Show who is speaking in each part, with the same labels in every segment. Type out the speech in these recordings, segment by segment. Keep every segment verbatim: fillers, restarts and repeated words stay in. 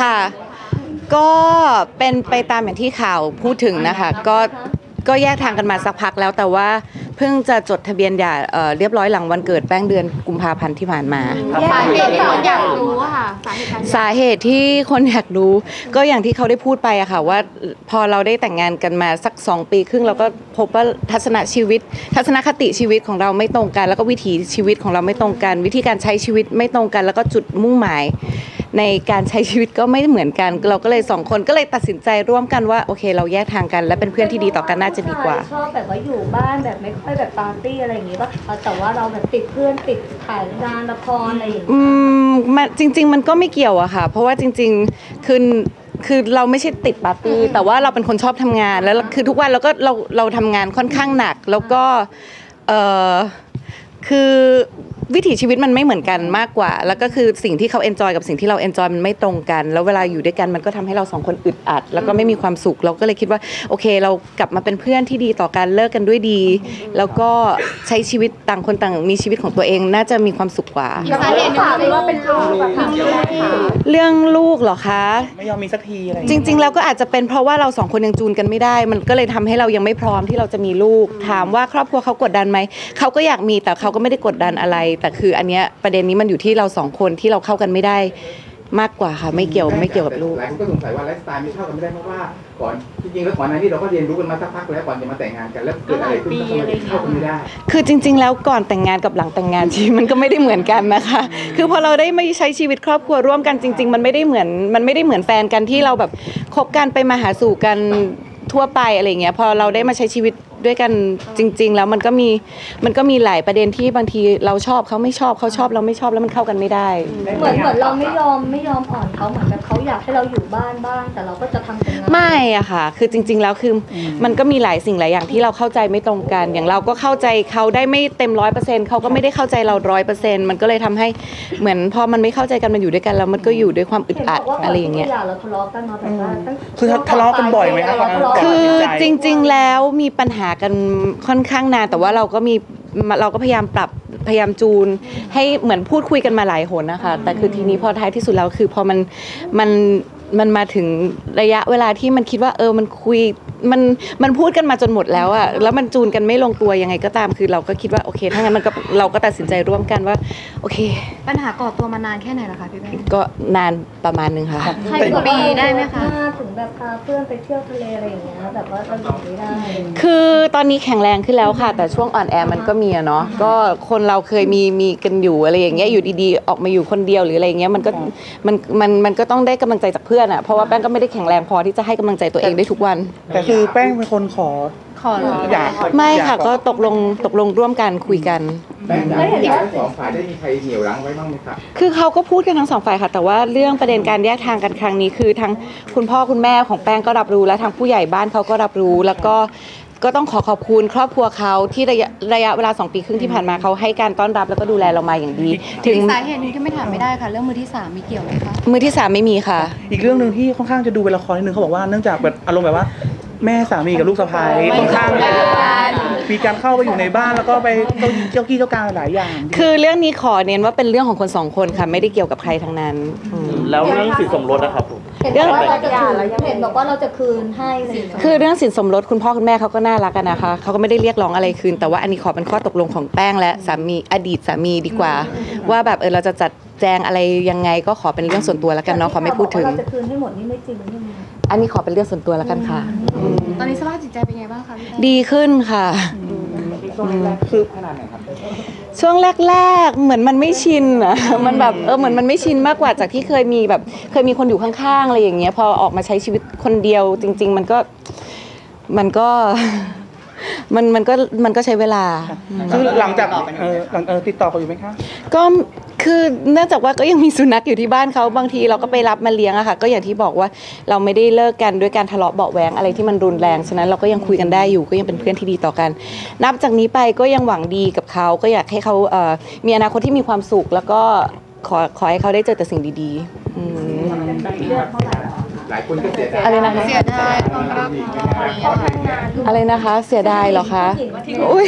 Speaker 1: ค่ะก็เป็นไปตามอย่างที่ข่าวพูดถึงนะคะก็ก็แยกทางกันมาสักพักแล้วแต่ว่าเพิ่งจะจดทะเบียนหย่าเอ่อเรียบร้อยหลังวันเกิดแป้งเดือนกุมภาพันธ์ที่ผ่านมา
Speaker 2: สาเหตุที่คนอยากรู้ค่ะ
Speaker 1: สาเหตุที่คนอยากรู้ก็อย่างที่เขาได้พูดไปอะค่ะว่าพอเราได้แต่งงานกันมาสักสองปีครึ่งเราก็พบว่าทัศนชีวิตทัศนคติชีวิตของเราไม่ตรงกันแล้วก็วิถีชีวิตของเราไม่ตรงกันวิธีการใช้ชีวิตไม่ตรงกันแล้วก็จุดมุ่งหมายในการใช้ชีวิตก็ไม่เหมือนกันเราก็เลยสองคนก็เลยตัดสินใจร่วมกันว่าโอเคเราแยกทางกันและเป็นเพื่อนที่ดีต่อกันน่าจะดีกว่า
Speaker 3: ชอบแบบว่าอยู่บ้านแบบไม่ค่อยแบบปาร์ตี้อะไรอย่างงี้ป่ะแต่ว่าเราแบบติดเพื่อนติดถ่ายงานละครอะไรอย่างเงี้ย
Speaker 1: อืมมันจริงๆมันก็ไม่เกี่ยวอะค่ะเพราะว่าจริงๆคือคือเราไม่ใช่ติดปาร์ตี้แต่ว่าเราเป็นคนชอบทำงานแล้วคือทุกวันเราก็เราเราทำงานค่อนข้างหนักแล้วก็เออคือวิถีชีวิตมันไม่เหมือนกันมากกว่าแล้วก็คือสิ่งที่เขาเอนจอยกับสิ่งที่เราเอนจอยมันไม่ตรงกันแล้วเวลาอยู่ด้วยกันมันก็ทำให้เราสองคนอึดอัดแล้วก็ไม่มีความสุขเราก็เลยคิดว่าโอเคเรากลับมาเป็นเพื่อนที่ดีต่อกันเลิกกันด้วยดีแล้วก็ใช้ชีวิตต่างคนต่างมีชีวิตของตัวเองน่าจะมีความสุขกว่า
Speaker 2: สาเหตุที่ว่าเป็นลูกแบบ
Speaker 1: เรื่องลูกเหรอคะ
Speaker 4: ไม่ยอมมีสักทีอะไร
Speaker 1: จริงๆแล้วก็อาจจะเป็นเพราะว่าเราสองคนยังจูนกันไม่ได้มันก็เลยทำให้เรายังไม่พร้อมที่เราจะมีลูกถามว่าครอบครัวเขากดดันไหมเขาก็อยากมีแต่เขาก็ไม่ได้กดดันอะไรแต่คืออันเนี้ยประเด็นนี้มันอยู่ที่เราสองคนที่เราเข้ากันไม่ได้มากกว่าค่ะไม่เกี่ยวไม่เกี่ยวกับลูก
Speaker 5: หลายคนก็สงสัยว่าไลฟ์สไตล์ไม่เข้ากันไม่ได้เพราะว่าก่อนจริงๆแล้วก่อนหน้านี้เราก็เรียนรู้กันมาสักพักแล้วก่อนจะมาแต่งงานกันแล้วเกิดอะไรขึ้นทำไมเข้ากันไม่ได้
Speaker 1: คือจริงๆแล้วก่อนแต่งงานกับหลังแต่งงานชีวิตมันก็ไม่ได้เหมือนกันนะคะคือพอเราได้ไม่ใช้ชีวิตครอบครัวร่วมกันจริงๆมันไม่ได้เหมือนมันไม่ได้เหมือนแฟนกันที่เราแบบคบกันไปมาหาสู่กันทั่วไปอะไรเงี้ยพอเราได้มาใช้ชีวิตด้วยกันจริงๆแล้วมันก็มีมันก็มีหลายประเด็นที่บางทีเราชอบเขาไม่ชอบเขาชอบเราไม่ชอบแล้วมันเข้ากันไม่ได้
Speaker 3: เหมือนเหมือนเราไม่ยอมไม่ยอมอ่อนเขาเหมือนแบบเขาอยากให้เราอยู่บ้านบ้างแต่เราก็จะทำเป็นงาน
Speaker 1: ไม่อะค่ะคือจริงๆแล้วคือมันก็มีหลายสิ่งหลายอย่างที่เราเข้าใจไม่ตรงกันอย่างเราก็เข้าใจเขาได้ไม่เต็มร้อยเปอร์เซ็นต์เขาก็ไม่ได้เข้าใจเราร้อยเปอร์เซ็นต์มันก็เลยทำให้เหมือนพอมันไม่เข้าใจกันมันอยู่ด้วยกันแล้วมันก็อยู่ด้วยความอึดอัดอะไรอย่างเงี้ย
Speaker 3: เราทะเลาะกันมาแบบว่า
Speaker 4: คือทะเลาะกันบ่อยไหมครับ
Speaker 1: คือจริงๆแล้วมีปัญหากันค่อนข้างนานแต่ว่าเราก็มีเราก็พยายามปรับพยายามจูนให้เหมือนพูดคุยกันมาหลายหนนะคะแต่คือทีนี้พอท้ายที่สุดแล้วคือพอมันมันมันมาถึงระยะเวลาที่มันคิดว่าเออมันคุยมันมันพูดกันมาจนหมดแล้วอะแล้วมันจูนกันไม่ลงตัวยังไงก็ตามคือเราก็คิดว่าโอเคถ้างั้นมันก็เราก็ตัดสินใจร่วมกันว่าโอเค
Speaker 2: ปัญหาก่อตัวมานานแค่ไหนล่ะคะพี่แม่
Speaker 1: ก็นานประมาณนึงค่ะ
Speaker 2: เป็นปีได้ไหมคะ
Speaker 3: ถึงแบบพาเพื่อนไปเที่ยวทะเลอะไรอย่างเงี้ยแบบว่าเราอยู่ไม่ได้
Speaker 1: คือตอนนี้แข็งแรงขึ้นแล้วค่ะแต่ช่วงอ่อนแอมันก็มีอะเนาะก็คนเราเคยมีมีกันอยู่อะไรอย่างเงี้ยอยู่ดีๆออกมาอยู่คนเดียวหรืออะไรเงี้ยมันก็มันมันมันก็ต้องได้กำลังใจจากเพื่อนอะเพราะว่าแป้งก็ไม่ได้แข็งแรงพอที่จะให้กำลังใจตัวเองได้ทุกวัน
Speaker 4: แต่คือแป้งเป็นคนขอ
Speaker 2: ขอ
Speaker 4: อยาก
Speaker 1: ไม่ค่ะก็ตกลงตกลงร่วมกันคุยกัน
Speaker 5: แป้งอยากให้ทั้งสองฝ่ายได้มีใครเหนี่ยวรั้งไว้บ้างไหมครับ
Speaker 1: คือเขาก็พูดกันทั้งสองฝ่ายค่ะแต่ว่าเรื่องประเด็นการแยกทางกันครั้งนี้คือทั้งคุณพ่อคุณแม่ของแป้งก็รับรู้และทางผู้ใหญ่บ้านเขาก็รับรู้แล้วก็ก็ต้องขอขอบคุณครอบครัวเขาที่ระยะระยะเวลาสองปีครึ่งที่ผ่านมาเขาให้การต้อนรับแล้วก็ดูแลเรามาอย่างดี
Speaker 2: ถึงสาเหตุนึงที่ไม่ถามไม่ได้ค่ะเรื่องมือที่สามมีเกี่ยวไหมคะ
Speaker 1: มือที่สามไม่มีค่ะ
Speaker 4: อีกเรื่องนึงที่ค่อนข้างจะดูเป็นละครนิดนึงเขาบอกว่าเนื่องจากแบบอารมณ์แบบว่าแม่สามีกับลูกสะใภ้ค่อนข้างมีการเข้าไปอยู่ในบ้านแล้วก็ไปเจ้ากี้เจ้าการหลายอย่าง
Speaker 1: คือเรื่องนี้ขอเน้นว่าเป็นเรื่องของคนสองคนค่ะไม่ได้เกี่ยวกับใครทั้งนั้น
Speaker 6: แล้วเรื่องสินสมรสนะครับผม
Speaker 3: เรื่องว่าเราจะคืนเห็นบอกว่าเราจะคืนให้
Speaker 1: คือเรื่องสินสมรสคุณพ่อคุณแม่เขาก็น่ารักกันนะคะเขาก็ไม่ได้เรียกร้องอะไรคืนแต่ว่าอันนี้ขอเป็นข้อตกลงของแป้งและสามีอดีตสามีดีกว่าว่าแบบเออเราจะจัดแจงอะไรยังไงก็ขอเป็นเรื่องส่วนตัวแล้วกันเนาะขอไม่พูดถึง
Speaker 3: เราจะคืนให้หมดนี่ไม่จริงใช่ไหม
Speaker 1: อันนี้ขอเป็นเรื่องส่วนตัวแล้วกันค่ะ
Speaker 2: ตอนนี้สภาพจิตใจเป็นไงบ้างคะพี่
Speaker 1: ดีขึ้นค่ะ
Speaker 4: ช่วงแรกคือขนาดไหนครับ
Speaker 1: ช่วงแรกๆเหมือนมันไม่ชินอ่ะมันแบบเออเหมือนมันไม่ชินมากกว่าจากที่เคยมีแบบเคยมีคนอยู่ข้างๆอะไรอย่างเงี้ยพอออกมาใช้ชีวิตคนเดียวจริงๆมันก็มันก็มันมันก็มันก็ใช้เวลา
Speaker 4: คือหลังจากเออหลังเออติดต่อเขาอยู่ไหมคะ
Speaker 1: ก็คือเนื่องจากว่าก็ยังมีสุนัขอยู่ที่บ้านเขาบางทีเราก็ไปรับมาเลี้ยงอะค่ะก็อย่างที่บอกว่าเราไม่ได้เลิกกันด้วยการทะเลาะเบาะแว้งอะไรที่มันรุนแรงฉะนั้นเราก็ยังคุยกันได้อยู่ก็ยังเป็นเพื่อนที่ดีต่อกันนับจากนี้ไปก็ยังหวังดีกับเขาก็อยากให้เขาเอ่อมีอนาคตที่มีความสุขแล้วก็ขอขอให้เขาได้เจอแต่สิ่งดีๆอืม
Speaker 5: หลายคนก็เสียดาย
Speaker 1: อะไรนะคะ
Speaker 2: เสียดายความรัก
Speaker 1: อะไรนะคะเสียดายเหรอคะอุ้ย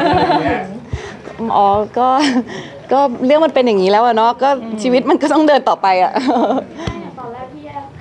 Speaker 1: อ๋อก็ก็เรื่องมันเป็นอย่างนี้แล้วอะเนาะก็ชีวิตมันก็ต้องเดินต่อไปอะ
Speaker 3: ตอนแรกที่แยก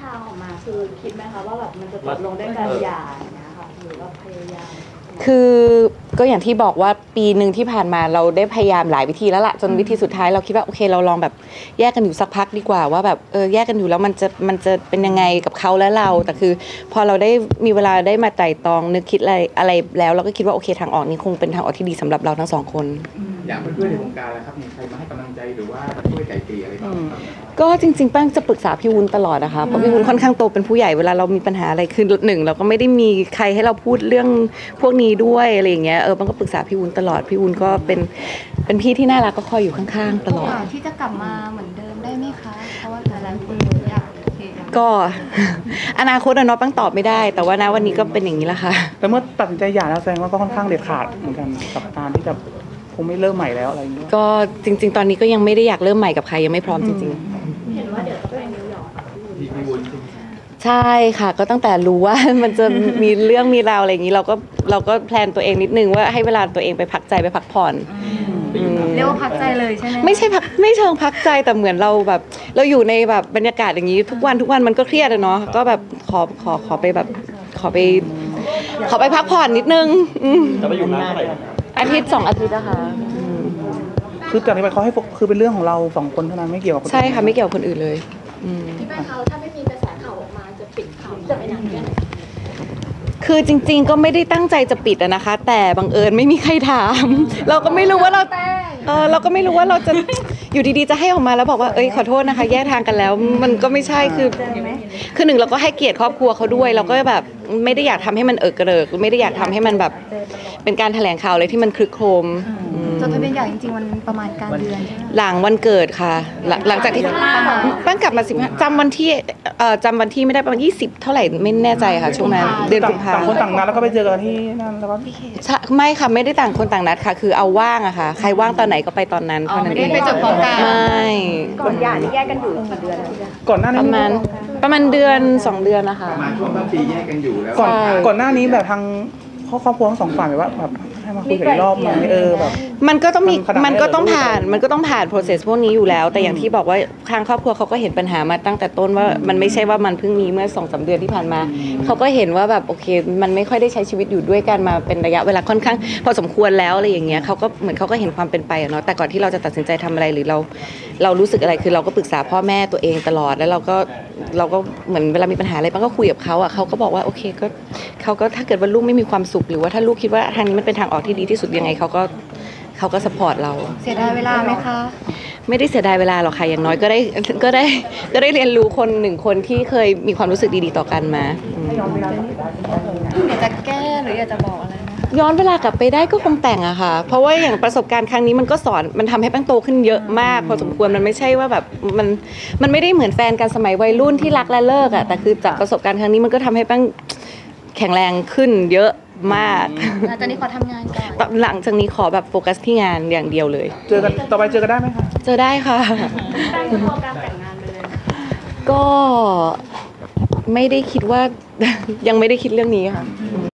Speaker 3: คะว่าแบบมันจะจบลงด้วยการหย่าอย่างเงี้ยค่ะหรือว่าพยายาม
Speaker 1: คือก็อย่างที่บอกว่าปีหนึ่งที่ผ่านมาเราได้พยายามหลายวิธีแล้วล่ะจนวิธีสุดท้ายเราคิดว่าโอเคเราลองแบบแยกกันอยู่สักพักดีกว่าว่าแบบเออแยกกันอยู่แล้วมันจะมันจะเป็นยังไงกับเขาและเราแต่คือพอเราได้มีเวลาได้มาไตร่ตรองนึกคิดอะไรอะไรแล้วเราก็คิดว่าโอเคทางออกนี้คงเป็นทางออกที่ดีสำหรับเราทั้งสองคน
Speaker 5: อย่างเพื่อนๆในวงการแล้วครับมีใครมาให้กำลังใจหรือว่าช่วยไกลเกลี่ยอะไรบ้างครับ
Speaker 1: ก็จริงๆแป้งจะปรึกษาพี่วุ้นตลอดนะคะเพราะพี่วุ้นค่อนข้างโตเป็นผู้ใหญ่เวลาเรามีปัญหาอะไรคือหนึ่งเราก็ไม่ได้มีใครให้เราพูดเรื่องพวกนี้ด้วยอะไรอย่างเงี้ยเออแป้งก็ปรึกษาพี่วุ้นตลอดพี่วุ้นก็เป็นเป็นพี่ที่น่ารักก็คอยอยู่ข้างๆตลอด
Speaker 2: ที่จะกลับมาเหมือนเดิมได้ไหมคะ เพราะว่าหลายๆคนอยากโอเค
Speaker 1: ก็ อนาคตอะเนาะแป้งตอบไม่ได้ แต่ว่านะวันนี้ก็เป็นอย่างนี้แหละค่ะ
Speaker 4: แต่เมื่อตัดสินใจหย่าแล้วแสดงว่าก็ค่อนข้างเด็ดขาดเหมือนกันกับการที่จะคงไม่เริ่มใหม่แล้วอะไรอย่างเงี้ย
Speaker 1: ก็จริง ๆ ตอนนี้ก็ยังไม่ได้อยากเริ่มใหม่กับใครยังไม่พร้อมจริง ๆ
Speaker 3: เห็นว่าเดี๋ยวจะไปนิวยอร์ก
Speaker 5: ที่พี่วุ้นใช่ไหม
Speaker 1: ใช่ค่ะก็ตั้งแต่รู้ว่า มันจะมีเรื่องมีราวอะไรอย่างนี้เราก็เราก็แพลนตัวเองนิดนึงว่าให้เวลาตัวเองไปพักใจไปพักผ่อน
Speaker 2: เรียกว่าพักใจเลยใช่ไหม
Speaker 1: ไม่ใช่พักไม่เชิงพักใจแต่เหมือนเราแบบ เราอยู่ในแบบบรรยากาศอย่างนี้ ทุกวันทุกวันมันก็เครียดอะเนาะก็แบบขอขอขอไปแบบขอไป ขอไปพักผ่อนนิดนึงอืม
Speaker 6: จะไปอยู่นานเท่าไหร่ครับ
Speaker 1: อาทิตย์สองอาทิตย์นะคะอืม
Speaker 4: คือจากนี้ไปเขาให้โฟกคือเป็นเรื่องของเราสองคนเท่านั้นไม่เกี่ยวกับคนอื่น
Speaker 1: ใช่ค่ะไม่เกี่ยวกับคนอื่นเลยอืม
Speaker 7: ที่แม่เขาถ้าไม่มีกระแสข่าวออกมาจะปิดข่าวจะไปนานแค่ไหน
Speaker 1: คือจริงๆ ก็ไม่ได้ตั้งใจจะปิดอะนะคะ แต่บังเอิญไม่มีใครถาม เราก็ไม่รู้ว่าเราเออเราก็ไม่รู้ว่าเราจะอยู่ดีๆจะให้ออกมาแล้วบอกว่าเอ้ยขอโทษนะคะ แยกทางกันแล้ว มันก็ไม่ใช่คือคือหนึ่งเราก็ให้เกียรติครอบครัวเขาด้วย เราก็แบบไม่ได้อยากทำให้มันเอิกกระเริกไม่ได้อยากทำให้มันแบบเป็นการแถลงข่าวอะไรที่มันคลึกโครมอืม
Speaker 2: จดทะเบียนหย่าจริงๆมันประมาณกลางเดือนใช่ไหม
Speaker 1: หลังวันเกิดค่ะ หลังหลังจากที่แป้งกลับมาสิบห้าจำวันที่เอ่อจำวันที่ไม่ได้ประมาณยี่สิบเท่าไหร่ไม่แน่ใจค่ะช่วงนั้นเดือน
Speaker 4: ต่า
Speaker 1: กุ
Speaker 4: ง
Speaker 1: มภา
Speaker 4: ต่างคนต่างนัดแล้วก็ไปเจอกันที่นั่นแล้วก็
Speaker 1: ใช่ไม่ค่ะไม่ได้ต่างคนต่างนัดค่ะ คือเอาว่างอะค่ะ ใครว่างตอนไหนก็ไปตอนนั้นเท่านั้นเอง
Speaker 2: ไม่ได้ไปจดพร้อมกัน
Speaker 1: ไม่
Speaker 3: ก่อนหย่านี่แยกกันอยู่กี่เดือนแล้วพี่
Speaker 4: ก่อนหน้า
Speaker 1: ป
Speaker 4: นี้
Speaker 1: ระมาณประมาณเดือนสองเดือนนะคะ
Speaker 5: ประมาณช่วงต้นปีแยกกันอยู่แล้ว
Speaker 4: ก่อน
Speaker 1: ใช่
Speaker 4: ก่อนหน้านี้แบบทางครอบครัวทั้งสองฝ่ายแบบว่าแบบให้มาคุยกันอีกรอบไหมเออแบบ
Speaker 1: มันก็ต้องมี
Speaker 4: มันขนาด
Speaker 1: มันก็ต้อง
Speaker 4: ไหนเหรอ
Speaker 1: ผ่านมันก็ต้องผ่าน process พวกนี้อยู่แล้ว แต่อย่างที่บอกว่าทางครอบครัวเขาก็เห็นปัญหามาตั้งแต่ต้นว่ามันไม่ใช่ว่ามันเพิ่งมีเมื่อสองสามเดือนที่ผ่านมาเขาก็เห็นว่าแบบโอเค มันไม่ค่อยได้ใช้ชีวิตอยู่ด้วยกันมาเป็นระยะเวลาค่อนข้างพอสมควรแล้วอะไรอย่างเงี้ยเขาก็เหมือนเขาก็เห็นความเป็นไปอะเนาะแต่ก่อนที่เราจะตัดสินใจทำอะไรหรือเราเรารู้สึกอะไรคือเราก็ปรึกษาพ่อแม่ตัวเองตลอดแล้วเราก็เราก็เหมือนเวลามีปัญหาอะไรปังก็คุยกับเขาอ่ะเขาก็บอกว่าโอเคก็เขาก็ถ้าเกิดว่าลูกไม่มีความสุขหรือว่าถ้าลูกคิดว่าทางนี้มันเป็นทางออกที่ดีที่สุดยังไงเขาก็เขาก็สปอร์ตเรา
Speaker 2: เสียดายเวลาไหมคะ
Speaker 1: ไม่ได้เสียดายเวลาหรอกค่ะอย่างน้อยก็ได้ก็ได้ก็ได้เรียนรู้คนหนึ่งคนที่เคยมีความรู้สึกดีๆต่อกันมาอืม
Speaker 2: อยากจะแก้หรืออยากจะบอกอะไรไหมคะ
Speaker 1: ย้อนเวลากลับไปได้ก็คงแต่งอะค่ะ เพราะว่าอย่างประสบการณ์ครั้งนี้มันก็สอนมันทำให้แป้งโตขึ้นเยอะมากพอสมควรมันไม่ใช่ว่าแบบมันมันไม่ได้เหมือนแฟนกันสมัยวัยรุ่นที่รักและเลิกอะแต่คือจากประสบการณ์ครั้งนี้มันก็ทำให้แป้งแข็งแรงขึ้นเยอะมาก
Speaker 2: หลังจากนี้ขอทำงานก่อน
Speaker 1: หลังจากนี้ขอแบบโฟกัสที่งานอย่างเดียวเลย
Speaker 4: เจอกันต่อไปเจอกันได้ไหมคะ
Speaker 1: เจอได้ค่ะ
Speaker 3: แป้งจะมองการแต่งงานไปเลยนะ
Speaker 1: ก็ไม่ได้คิดว่า ยังไม่ได้คิดเรื่องนี้ค่ะ